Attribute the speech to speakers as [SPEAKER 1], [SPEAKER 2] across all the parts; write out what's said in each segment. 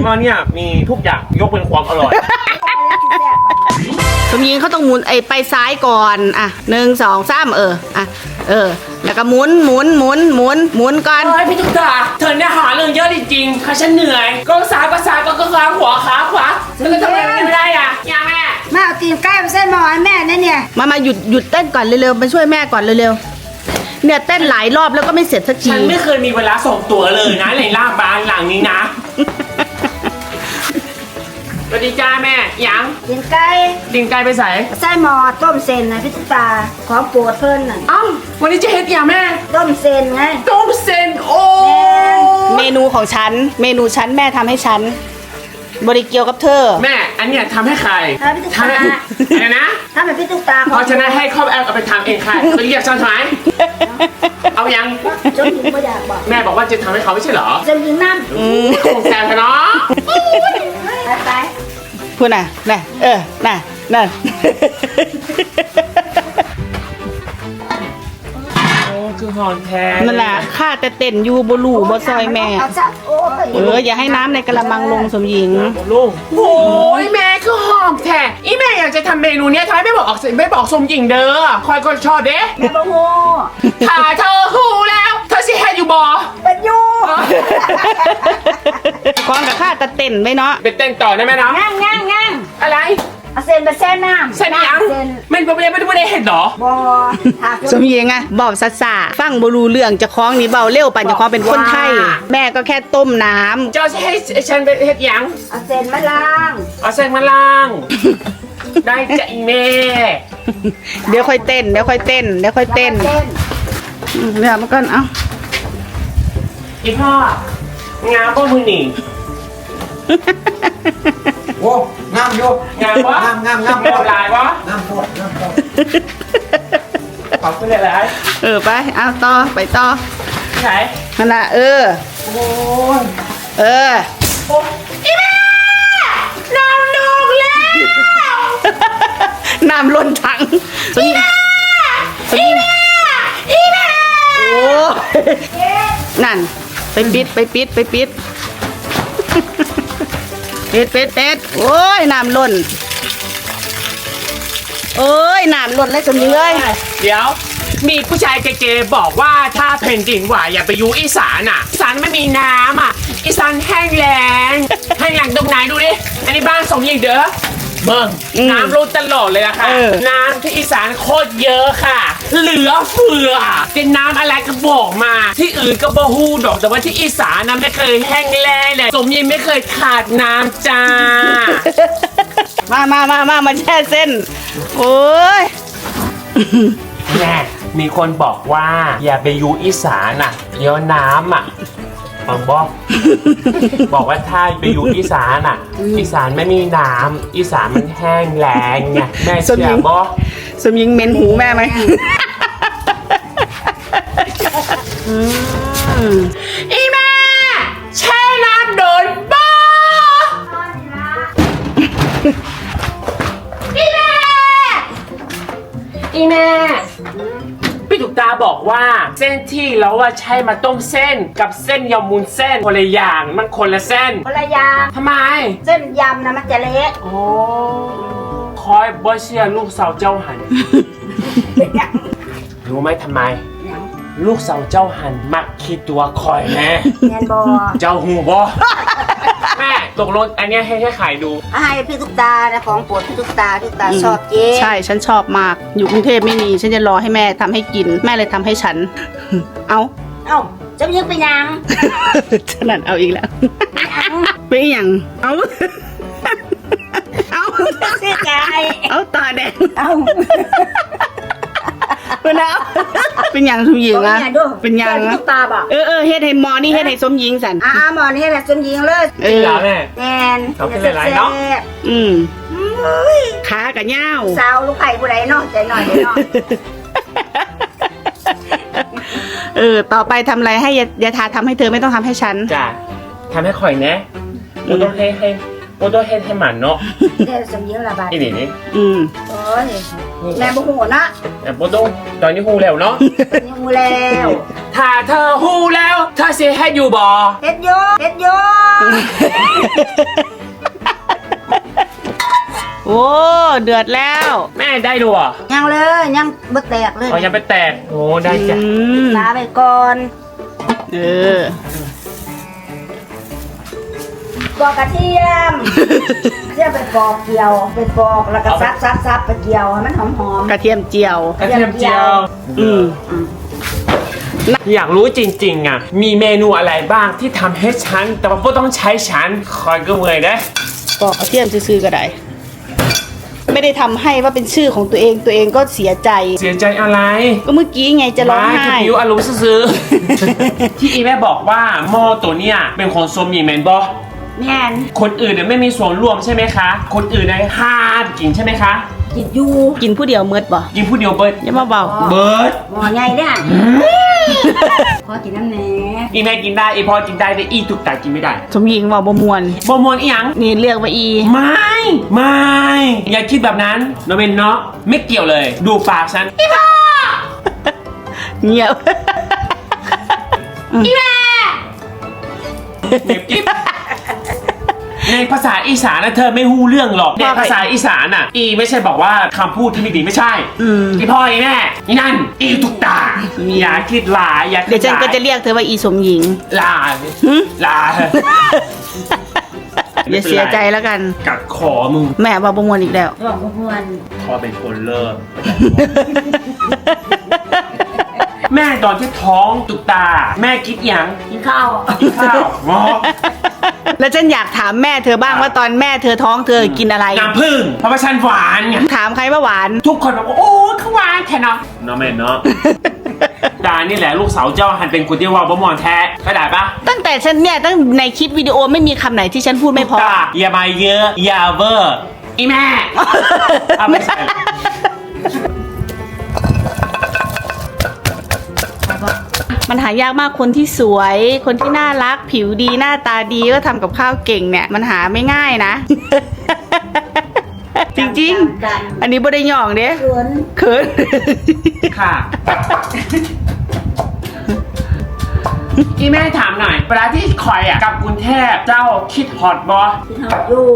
[SPEAKER 1] หม้อเนี่ยมีทุกอย่างยกเป็นความอร่อย
[SPEAKER 2] สมยิงเขาต้องหมุนไปซ้ายก่อนอ่ะ1 2 3อ่ะแล้วก็หมุนก่อน
[SPEAKER 1] เฮ้ยพี่ตุ๊กตาเธอเนี่ยหาเรื่องเยอะจริงๆค่ะฉันเหนื่อยก็ซ้ายก็ซ้ายก็ขาขวาฉันก็ทำอะไรไม่ได้อ่ะยังแม่
[SPEAKER 3] แม่เอาตีนไก่มาเส้นหมอให้แม่เนี่ย
[SPEAKER 2] มาหยุดเต้นก่อนเร็วๆมาช่วยแม่ก่อนเร็วๆเนี่ยเต้นหลายรอบแล้วก็ไม่เสร็จสักที
[SPEAKER 1] ฉันไม่เคยมีเวลาส่งตัวเลยนะในล่าบ้านหลังนี้นะสวัสดีจ้าแม่ยัง
[SPEAKER 3] ตีนไก่
[SPEAKER 1] ดิ่งไกลไปใส่
[SPEAKER 3] ไส้หมอต้มเส้นนะพี่ตุ๊กตาของโปรดเพิ่นน่ะ
[SPEAKER 1] อ้าววันนี้จะเฮ็ดอย่างแม่
[SPEAKER 3] ต้มเส้นไง
[SPEAKER 1] ต้มเส้นโอ้
[SPEAKER 2] เมนูของฉันแม่ทำให้ฉันบริเกียวกับเธอ
[SPEAKER 1] แม่อันเนี้ยทำให้ใคร
[SPEAKER 3] ถ้าพี่ตุ๊ก
[SPEAKER 1] ทำ
[SPEAKER 3] ตา
[SPEAKER 1] ให้อะไรนะ
[SPEAKER 3] ถ้าเป็นพี่ตุ๊กตา
[SPEAKER 1] เพราะฉะนั้นให้ครอบแอลเอาไปทำเองค่ะจะเรียกฉันทำไมเอายัง
[SPEAKER 3] จนถึงไม่อยากบอก
[SPEAKER 1] แม่บอกว่าจะทำให้เขาไม่ใช่เหรอ
[SPEAKER 3] จนถึงน้ำ
[SPEAKER 1] คงแซวเธอเนาะ
[SPEAKER 3] ไป
[SPEAKER 2] พูดน่ะนั่น
[SPEAKER 1] โอ้คือหอนแท้
[SPEAKER 2] นั่นแหละข้าแต่เต้นอยู่บลูบซอยแม่
[SPEAKER 3] เอาซะโอ้ย
[SPEAKER 2] อย่าให้น้ำในกระมังลงสมหญิง
[SPEAKER 1] ลุงโอ้ยแม่คือหอมแท้อีแม่อยากจะทำเมนูเนี้ยทำไมไม่บอกสมหญิงเด้อคอยก็ชอบเด้
[SPEAKER 3] แม่บ่ฮู้
[SPEAKER 1] ถ้าเธอหูแล้วเธอสิแฮอยู่บ่
[SPEAKER 3] เป็นอยู่
[SPEAKER 2] คล้องกับข้าแต่เต้นไว้เนาะ
[SPEAKER 1] ไปเต้นต่อได้ไหมเนาะ
[SPEAKER 3] ง่าง
[SPEAKER 1] อะไร
[SPEAKER 3] เอาเส้นไปแช่น้ำ
[SPEAKER 1] เส้นยัง
[SPEAKER 3] เส้น
[SPEAKER 1] มันไม่ได้เห็นเหรอ
[SPEAKER 3] บ่หาก
[SPEAKER 2] สมหญิงอะบอกซาฟังบรูเรื่องจะคล้องนี่เบาเร็วปั่นจะคล้องเป็นคนไทย แม่ก็แค่ต้มน้ำ
[SPEAKER 1] เจ้าจะให้ฉันไปเฮ็ดหยัง
[SPEAKER 3] เอาเส้นมาล้าง
[SPEAKER 1] เอาเส้นมาล่าง ได้จ้ะอีแม่
[SPEAKER 2] เดี๋ยวค่อยเต้น
[SPEAKER 3] แล้วก็เส้น
[SPEAKER 2] เดี๋ยวมันก่อนเอ้า
[SPEAKER 1] อีพ่องามบ่มือหนี
[SPEAKER 4] โอ้งามอยู่
[SPEAKER 1] งามวะ
[SPEAKER 4] งาม
[SPEAKER 1] งามหลายวะ
[SPEAKER 4] งามโคตร
[SPEAKER 1] ขอบคุณหลาย
[SPEAKER 2] ไปเอาต่อไปต่อ
[SPEAKER 1] ๆไหน
[SPEAKER 2] นั่นละ
[SPEAKER 1] โ
[SPEAKER 2] เอ
[SPEAKER 1] อ้ย
[SPEAKER 2] อีแม่น้ำลงแล้ว น้ำล้นถังอีแม่โอ้นั่นไปปิดปิดโอ้ยน้ำล้นแล้วสมหญิงเลย
[SPEAKER 1] เดี๋ยว มีผู้ชายเก๋ๆบอกว่าถ้าแผ่นดินไหวอย่าไปอยู่อีสานอ่ะอีสานไม่มีน้ำอ่ะอีสานแห้งแล้งตรงไหนดูดิอันนี้บ้านสมหญิงเด้อเบิ่งน้ำล้นตลอดเลยอะค่ะน้ำที่อีสานโคตรเยอะค่ะ เหลือเฟือเป็นน้ำอะไรก็บอกมาที่อื่นก็บ่ฮู้ดอกแต่ว่าที่อีสานนะไม่เคยแห้งแล้งเลยสมหญิงไม่เคยขาดน้ำจ้า
[SPEAKER 2] มาแช่เส้นโอ้ย
[SPEAKER 1] แม่มีคนบอกว่าอย่าไปอยู่อีสานอ่ะเดี๋ยวน้ำอ่ะฟังบอกว่าถ้าไปอยู่อีสานอ่ะ อีสานไม่มีน้ำอีสานมันแห้งแล้งไงแม่เชื่อบ่
[SPEAKER 2] สมหญิงเหม็นหูแม่ไหม
[SPEAKER 1] อีแม่แช่น้ำโดนบ่อีแม่พี่ตุ๊กตาบอกว่าเส้นที่เราว่าใช้มาต้มเส้นกับเส้นยำมุนเส้นคนละอย่างมันคนละเส้น
[SPEAKER 3] คนละอย่าง
[SPEAKER 1] ทำไม
[SPEAKER 3] เส้นยำนะมันจะเละ
[SPEAKER 1] โอ้คอยบอเชียลูกสาวเจ้าหัน รู้ไหมทำไม ลูกสาวเจ้าหันมักคิดตัวคอยแม่
[SPEAKER 3] แมนบอ
[SPEAKER 1] เจ้าหูบอ แม่ตกลงอันเนี้ยให้ขายดู
[SPEAKER 3] ให้พี่ตุ๊กตานะของโปรดพี่ตุ๊กตาชอบเจ๊
[SPEAKER 2] ใช่ฉันชอบมากอยู่กรุงเทพไม่มีฉันจะรอให้แม่ทำให้กินแม่เลยทำให้ฉัน เอา
[SPEAKER 3] เอ้าจะยิงไปยัง
[SPEAKER 2] ฉนัดเอาอีกแล้วเป็นอย่างเอา
[SPEAKER 3] เสียใจ
[SPEAKER 2] เอาตาแดง
[SPEAKER 3] เอ้า
[SPEAKER 2] เป็นแล้วเป็นอย่างสมหญิงอะเป็นอย่าง
[SPEAKER 3] พี่
[SPEAKER 2] นะ
[SPEAKER 3] ตุ๊กตาบอก
[SPEAKER 2] เฮ็ดให้หมอนี่เฮ็ดให้สมหญิงสัน
[SPEAKER 3] หมอนให้แบบจนยิงเลย
[SPEAKER 2] เอ
[SPEAKER 1] จริง
[SPEAKER 2] อ
[SPEAKER 1] เหรอแม่
[SPEAKER 3] แมน
[SPEAKER 1] เอาขึ้นหลายๆเนาะ
[SPEAKER 2] อืม
[SPEAKER 3] เฮ้ย
[SPEAKER 2] ขากับย่าว
[SPEAKER 3] สาวลูกไผ่ผู้ใดเนาะใจหน่อยใจหน่อย
[SPEAKER 2] ต่อไปทำอะไรให้ยาทาทำให้เธอไม่ต้องทำให้ฉัน
[SPEAKER 1] จ้ะทำให้ข่อยแนะโอ้ต้องให้หมันเนาะ
[SPEAKER 3] เดี๋ยวสมยิงละบาท
[SPEAKER 1] อีนี่
[SPEAKER 2] อืม
[SPEAKER 3] โอ้ยแม่บุหัวนะ
[SPEAKER 1] แต่โบต้องตอนนี้หูแล้วเนาะ
[SPEAKER 3] ยังมูแล้ว
[SPEAKER 1] ถ้าเธอหูแล้วเธอสิให้อยู่บ่
[SPEAKER 3] เฮ็ดโยเฮ็ดโย
[SPEAKER 2] โอ้เดือดแล้ว
[SPEAKER 1] แม่ได้ดูอ่ะ
[SPEAKER 3] ยังเลยยังบ่แตกเลย
[SPEAKER 1] อ๋อยังไปแตกโอ้ได้จ้ะ
[SPEAKER 3] ลาไปก่อน
[SPEAKER 2] เออ
[SPEAKER 3] ปอกกระเทียมเทียมไปปอกเจียวไปปอกแล้วก็ซับไปเจียวให้มันหอม
[SPEAKER 2] กระเทียมเจียว
[SPEAKER 1] กระเทียมเจียว
[SPEAKER 2] อืม
[SPEAKER 1] อยากรู้จริงๆอ่ะมีเมนูอะไรบ้างที่ทำให้ฉันแต่ว่าไม่ต้องใช้ฉันคอยก็เมื่อยนะ
[SPEAKER 2] ปอกกระเทียมซื้อๆก็ได้ไม่ได้ทำให้ว่าเป็นชื่อของตัวเองก็เสียใจ
[SPEAKER 1] เสียใจอะไร
[SPEAKER 2] ก็เมื่อกี้ไงจะร้อง
[SPEAKER 1] ไม่
[SPEAKER 2] ไห้
[SPEAKER 1] คือผิวอารมณ์ซื้อๆ ที่อีแม่บอกว่าหม้อตัวเนี้ยเป็นของโซมีแมนบอ
[SPEAKER 3] ๆแม่น
[SPEAKER 1] คนอื่นเนี่ยไม่มีส่วนร่วมใช่ไหมคะ คนอื่นเนี่ยห้ามกินใช่ไหมคะ
[SPEAKER 3] กินอยู่
[SPEAKER 2] กินผู้เดียวเมิดบ่
[SPEAKER 1] กินผู้เดียวเบิร์ด
[SPEAKER 2] อย่ามาเบา
[SPEAKER 1] เบิร์ด
[SPEAKER 3] หม้อใหญ่เนี่ยขอกินน้ำแหน่
[SPEAKER 1] อีแม่กินได้อีพอกินได้แต่อีตุกตากินไม่ได้
[SPEAKER 2] สมหญิงว่าบ่มวน
[SPEAKER 1] บมวนอีหยัง
[SPEAKER 2] นี่เลือกว่าอี
[SPEAKER 1] ไม่อย่าคิดแบบนั้นโนเมนเนาะไม่เกี่ยวเลย ดูปากฉันอีพ่อ
[SPEAKER 2] เงียบ
[SPEAKER 1] อีแม่เน็บกิ๊บในภาษาอีสานนะเธอไม่ฮู้เรื่องหรอกในภาษาอีสานอ่ะ อีไม่ใช่บอกว่าคำพูดที่ไม่ดีไม่ใช่อีพ่ออีแม่อีนั่นอีตุกตาอย่าคิดหลายอย่าคิ
[SPEAKER 2] เดี๋ยวฉัน
[SPEAKER 1] หลา
[SPEAKER 2] ก็จะเรียกเธอว่าอีสมหญิง
[SPEAKER 1] ลา
[SPEAKER 2] หึ
[SPEAKER 1] ลา
[SPEAKER 2] อย่าเสียใจแล้วกัน
[SPEAKER 1] กัดคอมึง
[SPEAKER 2] แม่ว่าบ่มวนอีกแล้ว
[SPEAKER 3] ร้องบ่ม่วน
[SPEAKER 1] พอเป็นคนเลิก แม่ตอนที่ท้องตุกตา แม่คิดยัง
[SPEAKER 3] กินข้าว
[SPEAKER 1] กินข้าวงอ
[SPEAKER 2] แล้วฉันอยากถามแม่เธอบ้างว่าตอนแม่เธอท้องเธอกินอะไร
[SPEAKER 1] น้ำผึ้งเพราะว่าฉันหวานไง
[SPEAKER 2] ถามใครว่าหวาน
[SPEAKER 1] ทุกคนบอกว่าโอ้เขาหวานแค่เนาะเนาะแม่เนาะ ดานี่แหละลูกสาวเจ้าหันเป็นคนที่ว่าบ่มอนแท้เข้าใจปะ
[SPEAKER 2] ตั้งแต่ฉันเนี่ยตั้งในคลิปวิดีโอไม่มีคำไหนที่ฉันพูดไม่พอ
[SPEAKER 1] ตาอย่ามาเยอะอย่าเวอร์อีแม่เอาไม่ใช่
[SPEAKER 2] มันหายากมากคนที่สวย คนที่น่ารักผิวดีหน้าตาดีก็ทำกับข้าวเก่งเนี่ย มันหาไม่ง่ายนะ จริงๆ อันนี้บ่ได้หย่องเด้
[SPEAKER 3] เขิน
[SPEAKER 2] เขิน
[SPEAKER 1] ค่ะอีแม่ถามหน่อยเวลาที่คอยอ่ะกับกรุงเทพเจ้าคิดฮอตบอ
[SPEAKER 3] กินข้าวอยู่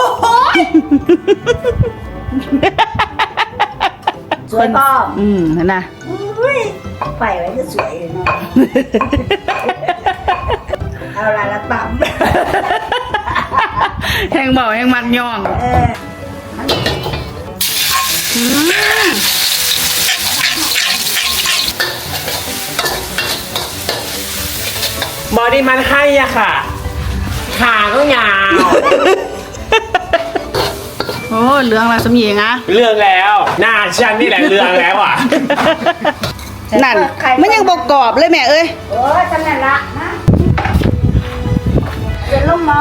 [SPEAKER 3] สวยป้อม
[SPEAKER 2] นั่นนะ
[SPEAKER 3] อุ้ยไปไว้จะสวยเลยเนาะเอาละต่ำ
[SPEAKER 2] แห้งเบาแห้งมักย่อง
[SPEAKER 1] บอดี้มันให้อะค่ะ ขาก็ยาว
[SPEAKER 2] โอ้เหลืองละสมหญิงอะ
[SPEAKER 1] เรื่องแล้วหน้าฉันนี่แหละเรื่องแล้วอ่ะ
[SPEAKER 2] นั่นมันยังบอกกรอบเลยแม่เอ้ย
[SPEAKER 3] โอ้ยจำนั่นละนะเดี๋ยวลงมา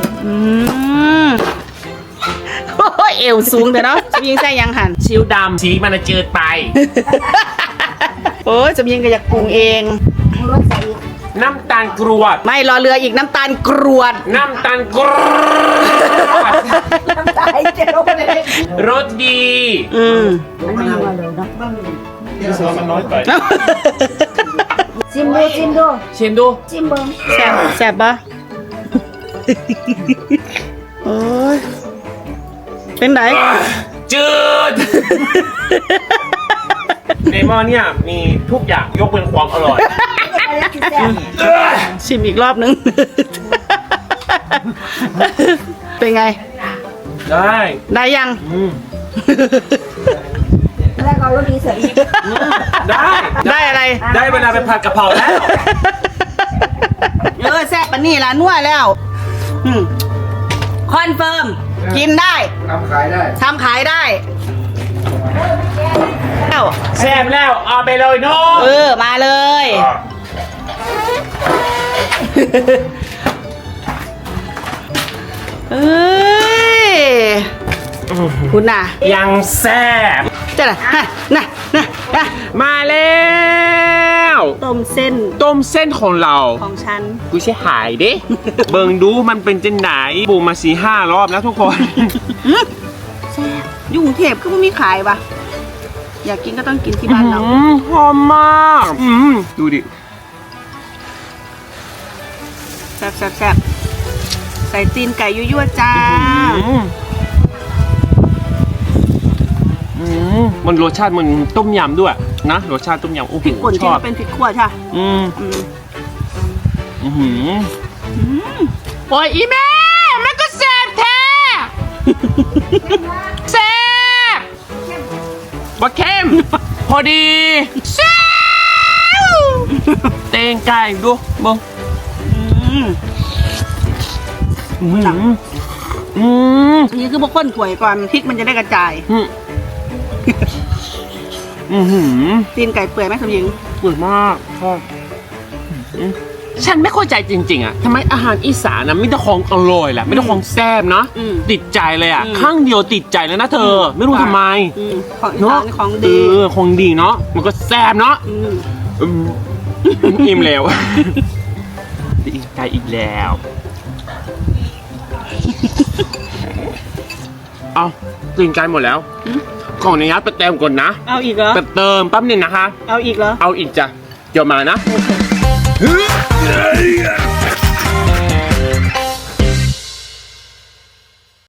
[SPEAKER 2] โอ้ยเอวสูงแต่เนาะสมหญิงใส่ยังหัน
[SPEAKER 1] ชิวดำสีมันจะจืดไป
[SPEAKER 2] โอ้ยสมหญิงก็อยากปรุงเอง
[SPEAKER 3] รถใส่อีก
[SPEAKER 1] น้ำตาลกรวด
[SPEAKER 2] ไม่รอเรืออีกน้ำตาลกรวด
[SPEAKER 1] น้ำตาลกรวด
[SPEAKER 3] น้ำตาลเจียวเลย
[SPEAKER 1] รสดี
[SPEAKER 3] มันไม่มาเลยเนาะ
[SPEAKER 1] มันน้อยไป
[SPEAKER 3] ชิมดู
[SPEAKER 1] ชิมดู
[SPEAKER 3] ชิมเบิ้ง
[SPEAKER 2] แซ่บแซ่บปะโอ้ยเป็นไหน
[SPEAKER 1] จืด ในหม้อเนี่ยมีทุกอย่างยกเว้นความอร่อย
[SPEAKER 3] อะไรที่แซ่บ
[SPEAKER 2] ชิมอีกรอบนึง เป็นไง
[SPEAKER 1] ได้
[SPEAKER 2] ได้ยัง
[SPEAKER 3] แล้วก็รสดีเสร็จอีก
[SPEAKER 1] ได้
[SPEAKER 2] ได้อะไร
[SPEAKER 1] ได้เวลาไปผัดกะเพราแล้ว
[SPEAKER 2] แซ่บปะนี่ละนัวแล้วคอนเฟิร์ม กินได้
[SPEAKER 4] ทำขายได้
[SPEAKER 2] ทำขายได้แล้ว
[SPEAKER 1] แซ่บแล้วเอาไปเลยน้อง
[SPEAKER 2] มาเลย เอ้ยคุณน่ะ
[SPEAKER 1] ยังแซ่บ
[SPEAKER 2] จะน่ะน่ะ
[SPEAKER 1] มาแล้ว
[SPEAKER 2] ต้มเส้น
[SPEAKER 1] ต้มเส้นของเรา
[SPEAKER 2] ของฉัน
[SPEAKER 1] กูใช่หายเด้ เบิ่งดูมันเป็นจังไหนปรุงมา4-5 รอบแล้วทุกคน
[SPEAKER 2] แซ่บอยู่กรุงเทพก็ไม่มีขายปะอยากกินก็ต้องกินที่บ้านเรา
[SPEAKER 1] หอมมากดูดิ
[SPEAKER 2] แซ่บแซ่บแซ่บใส่ตีนไก่ยั่วๆจ้า
[SPEAKER 1] มันรสชาติมันต้มยำด้วยนะรสชาติต้มยำโอ้โห
[SPEAKER 2] พริกป่น
[SPEAKER 1] ช
[SPEAKER 2] ที่
[SPEAKER 1] อบ
[SPEAKER 2] มันเป็นพริกขั่วใช่
[SPEAKER 1] อืม
[SPEAKER 2] อืม
[SPEAKER 1] อื้อหือโอ้ยอีแม่แม่ก็แซ่บแท้แซ่บบ่เข้มพอดีแซ่บเตงไก่ดูบ่
[SPEAKER 2] อืม
[SPEAKER 1] อืมอืม
[SPEAKER 2] อันนี้คือพวกข้นถ้วยก่อนพริกมันจะได้กระจาย
[SPEAKER 1] อืมอือหือ
[SPEAKER 2] ตีนไก่เปื่อยไหมสมหญิง
[SPEAKER 1] สวยมากชอบฉันไม่เข้าใจจริงๆอ่ะทำไมอาหารอีสานนะไม่ได้ของอร่อยแหละไม่ได้ของแซ่บเนาะ
[SPEAKER 2] อืม
[SPEAKER 1] ติดใจเลยอ่ะ
[SPEAKER 2] อืม
[SPEAKER 1] ข้างเดียวติดใจเลยนะเธอ ไม่รู้ทำไม
[SPEAKER 2] ของอี
[SPEAKER 1] เนาะ
[SPEAKER 2] สานของดี
[SPEAKER 1] ของดีเนาะมันก็แซ่บเนาะ
[SPEAKER 2] อืม
[SPEAKER 1] อืมอิ่มแล้วอิ่มใจอีกแล้วเอาตื่นใจหมดแล้วของในยัดไปเติมก่อนนะ
[SPEAKER 2] เอาอีกเหรอ
[SPEAKER 1] ไปเติมแป๊บหนึงนะคะ
[SPEAKER 2] เอาอีกเหรอ
[SPEAKER 1] เอาอีกจ้ะเดี๋ยวมานะ